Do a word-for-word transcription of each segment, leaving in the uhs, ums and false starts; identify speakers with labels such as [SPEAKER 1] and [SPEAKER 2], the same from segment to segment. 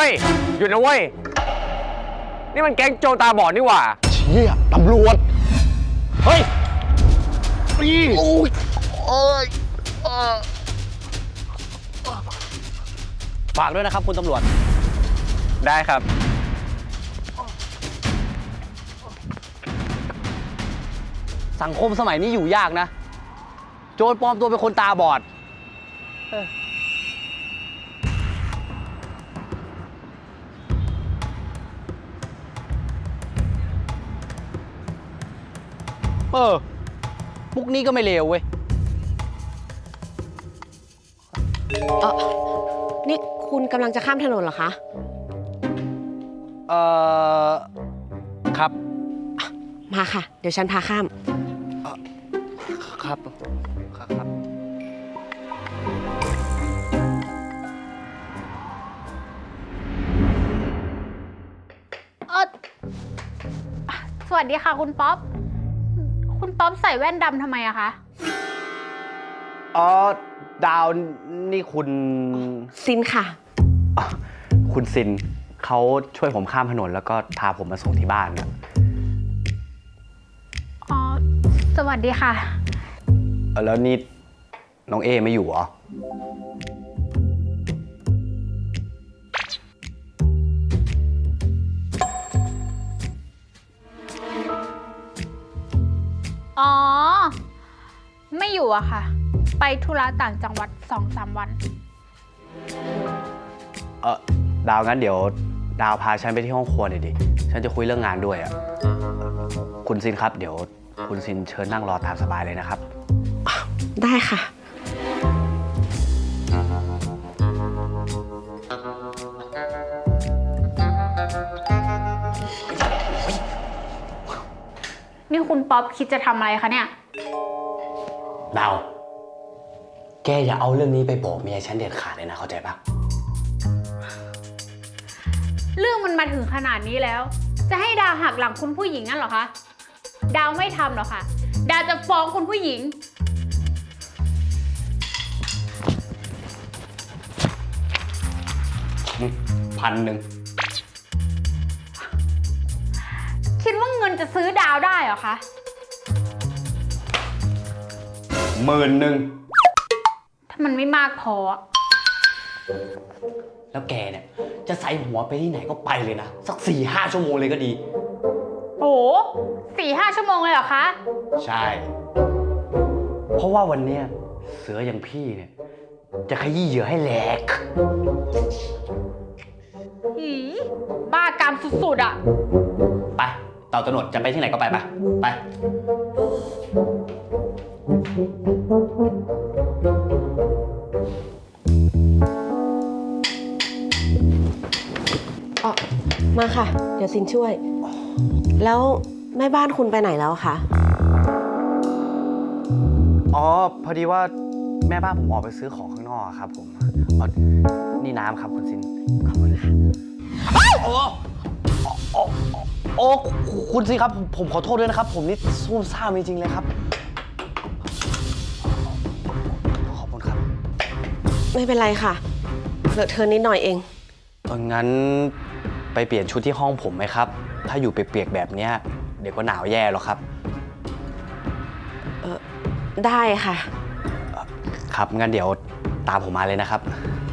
[SPEAKER 1] ฮ้ยหยุดนะเว้ยนี่มันแก๊งโจรตาบอดนี่หว่า
[SPEAKER 2] เชี่ยตำรวจ
[SPEAKER 1] เฮ้ย
[SPEAKER 2] อีโอ้ยโอ้ย
[SPEAKER 3] ฝากด้วยนะครับคุณตำรวจ
[SPEAKER 1] ได้ครับ
[SPEAKER 3] สังคมสมัยนี้อยู่ยากนะโจรปลอมตัวเป็นคนตาบอดเออมุกนี้ก็ไม่เลวเว้ย
[SPEAKER 4] เออนี่คุณกำลังจะข้ามถนนเหรอคะ
[SPEAKER 3] เออครับ
[SPEAKER 4] มาค่ะเดี๋ยวฉันพาข้าม
[SPEAKER 3] ครับครับครับ
[SPEAKER 5] เออสวัสดีค่ะคุณป๊อปคุณป๊อปใส่แว่นดำทำไมอะคะ
[SPEAKER 3] อ๋อดาวนี่คุณ
[SPEAKER 4] ซินค่ะ
[SPEAKER 3] คุณซินเขาช่วยผมข้ามถนนแล้วก็พาผมมาส่งที่บ้านนะ
[SPEAKER 5] อ๋อสวัสดีค่ะ
[SPEAKER 3] แล้วนี่น้องเอไม่อยู่เหรอ
[SPEAKER 5] อ๋อไม่อยู่อะค่ะไปธุระต่างจังหวัดสองสามวัน
[SPEAKER 3] เออดาวงั้นเดี๋ยวดาวพาฉันไปที่ห้องครัวหน่อยดิฉันจะคุยเรื่องงานด้วยอ่ะคุณซินครับเดี๋ยวคุณซินเชิญนั่งรอตามสบายเลยนะครับ
[SPEAKER 4] ได้ค่ะ
[SPEAKER 5] นี่คุณป๊อปคิดจะทำอะไรคะเนี่ย
[SPEAKER 3] ดาวแกอย่าเอาเรื่องนี้ไปบอกเมียฉันเด็ดขาดเลยนะเข้าใจปะ
[SPEAKER 5] เรื่องมันมาถึงขนาดนี้แล้วจะให้ดาวหักหลังคุณผู้หญิงนั่นเหรอคะดาวไม่ทำหรอกค่ะดาวจะฟ้องคุณผู้หญิง
[SPEAKER 3] พันหนึ่ง
[SPEAKER 5] คิดว่าเงินจะซื้อดาวได้เหรอคะ
[SPEAKER 3] หมื่นหนึ่ง
[SPEAKER 5] ถ้ามันไม่มากพอ
[SPEAKER 3] แล้วแกเนี่ยจะใส่หัวไปที่ไหนก็ไปเลยนะสักสี่ห้าชั่วโมงเลยก็ดี
[SPEAKER 5] โอ้สี่ห้าชั่วโมงเลยเหรอคะ
[SPEAKER 3] ใช่เพราะว่าวันเนี้ยเสืออย่างพี่เนี่ยจะขยี้เหยื่อให้แหลก
[SPEAKER 5] หืมบ้ากามสุดๆอ่ะ
[SPEAKER 3] ไปเต่าตะหนวดจะไปที่ไหนก็ไปไปไป
[SPEAKER 4] อ๋อมาค่ะเดี๋ยวซินช่วยแล้วแม่บ้านคุณไปไหนแล้วคะ
[SPEAKER 3] อ๋อพอดีว่าแม่บ้านผมออกไปซื้อของข้างนอกครับผมอ๋อนี่น้ำครับคุณซิน
[SPEAKER 4] ขอบคุณค่ะ
[SPEAKER 3] โอ้โอ้โอ้คุณซินครับผมขอโทษด้วยนะครับผมนี่ซุ่มซ่ามจริงๆเลยครับขอบคุณครับ
[SPEAKER 4] ไม่เป็นไรค่ะเลอะเทอะนิดหน่อยเอง
[SPEAKER 3] งั้นไปเปลี่ยนชุดที่ห้องผมไหมครับถ้าอยู่เปียกๆแบบนี้เดี๋ยวก็หนาวแย่หรอกครับ
[SPEAKER 4] เออได้ค่ะ
[SPEAKER 3] ครับงั้นเดี๋ยวตามผมมาเลยนะครับ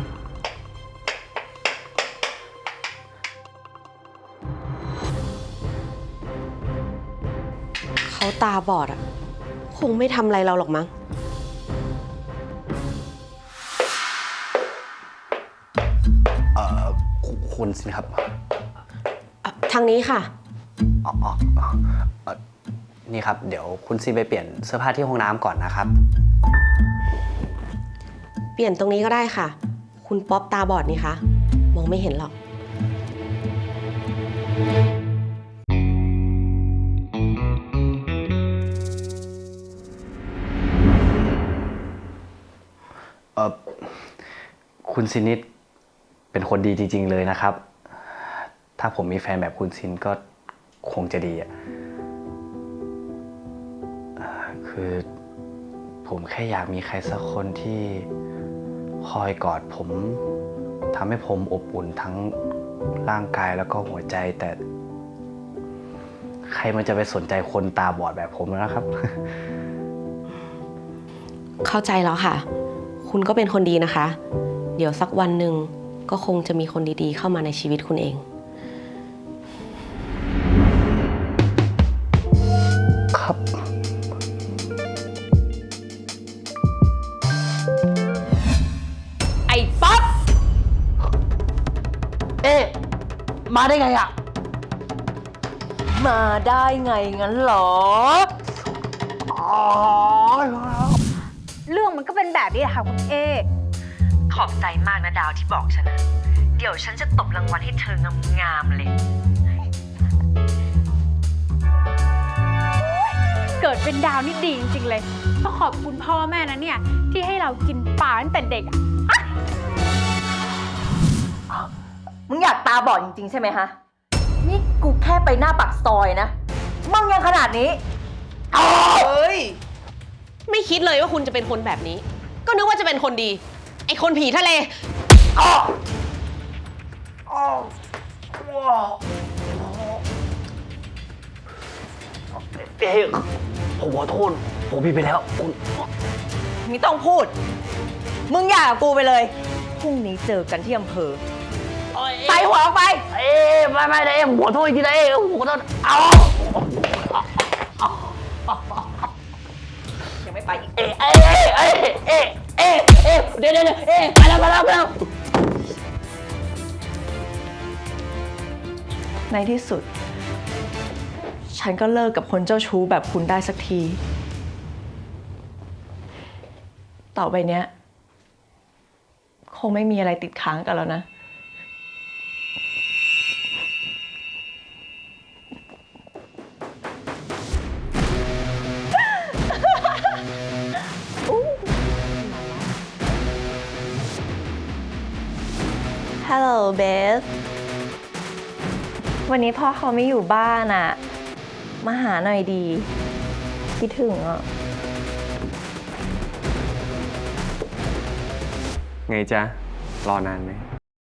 [SPEAKER 4] เขาตาบอดอ่ะคงไม่ทำอะไรเราหรอกมั้ง
[SPEAKER 3] เอ่อคุณสิครับ
[SPEAKER 4] ทางนี้ค่ะ
[SPEAKER 3] อ๋ออ๋อนี่ครับเดี๋ยวคุณซีไปเปลี่ยนเสื้อผ้าที่ห้องน้ำก่อนนะครับ
[SPEAKER 4] เปลี่ยนตรงนี้ก็ได้ค่ะคุณป๊อปตาบอดนี่คะมองไม่เห็นหรอก
[SPEAKER 3] เออคุณซินิดเป็นคนดีจริงๆเลยนะครับถ้าผมมีแฟนแบบคุณซินก็คงจะดีอ่ะคือผมแค่อยากมีใครสักคนที่คอยกอดผมทำให้ผมอบอุ่นทั้งร่างกายแล้วก็หัวใจแต่ ใครมันจะไปสนใจคนตาบอดแบบผมนะครับ
[SPEAKER 4] เข้าใจแล้วค่ะ คุณก็เป็นคนดีนะคะ เดี๋ยวสักวันหนึ่งก็คงจะมีคนดีๆ เข้ามาในชีวิตคุณเอง
[SPEAKER 3] ครับ
[SPEAKER 4] ไอ้ป๊อป
[SPEAKER 2] เอ๊ะมาได้ไงอะ
[SPEAKER 6] มาได้ไงงั้นเหรอ
[SPEAKER 2] อ๋อ
[SPEAKER 5] เรื่องมันก็เป็นแบบนี้แหละค่ะคุณเอ
[SPEAKER 6] ขอบใจมากนะดาวที่บอกฉันนะ เดี๋ยวฉันจะตบรางวัลให้เธองามๆเลย
[SPEAKER 5] เกิดเป็นดาวนี่ดีจริงๆเลยต้องขอบคุณพ่อแม่นะเนี่ย ที่ให้เรากินปลาตั้งแต่เด็กอะ
[SPEAKER 6] มึงอยากตาบอดจริงๆใช่ไหมฮะ นี่กูแค่ไปหน้าปากซอยนะ มึงยังขนาดนี้
[SPEAKER 4] เฮ้ย ไม่คิดเลยว่าคุณจะเป็นคนแบบนี้ ก็นึกว่าจะเป็นคนดี ไอ้คนผีทะเล
[SPEAKER 3] เอ๊ะผมขอโทษ ผมผิดไปแล้วคุณ
[SPEAKER 6] ไม่ต้องพูด มึงอย่ากับกูไปเลย พรุ่งนี้เจอกันที่อำเภอใส่หัวออกไป
[SPEAKER 3] เอ๊ะไม่ไม่นะเอ๊ะผมขอโทษจริงๆนะเอ๊ะผมขอโทษเอา
[SPEAKER 6] ยังไม่ไปอีก
[SPEAKER 3] เอ๊ะเอ๊ะเอ๊ะเอ๊ะเอ๊ะเอ๊ะเดี๋ยวเดี๋ยวเดี๋ยวเอ๊ะไปแล้วไปแล้วไปแล้ว
[SPEAKER 6] ในที่สุด ฉันก็เลิกกับคนเจ้าชู้แบบคุณได้สักที ต่อไปเนี้ย คงไม่มีอะไรติดค้างกันแล้วนะ ฮัลโหลเบส วันนี้พ่อเขาไม่อยู่บ้านอะมาหาหน่อยดี คิดถึงอ่ะ
[SPEAKER 1] ไงจ๊ะ รอนานไหม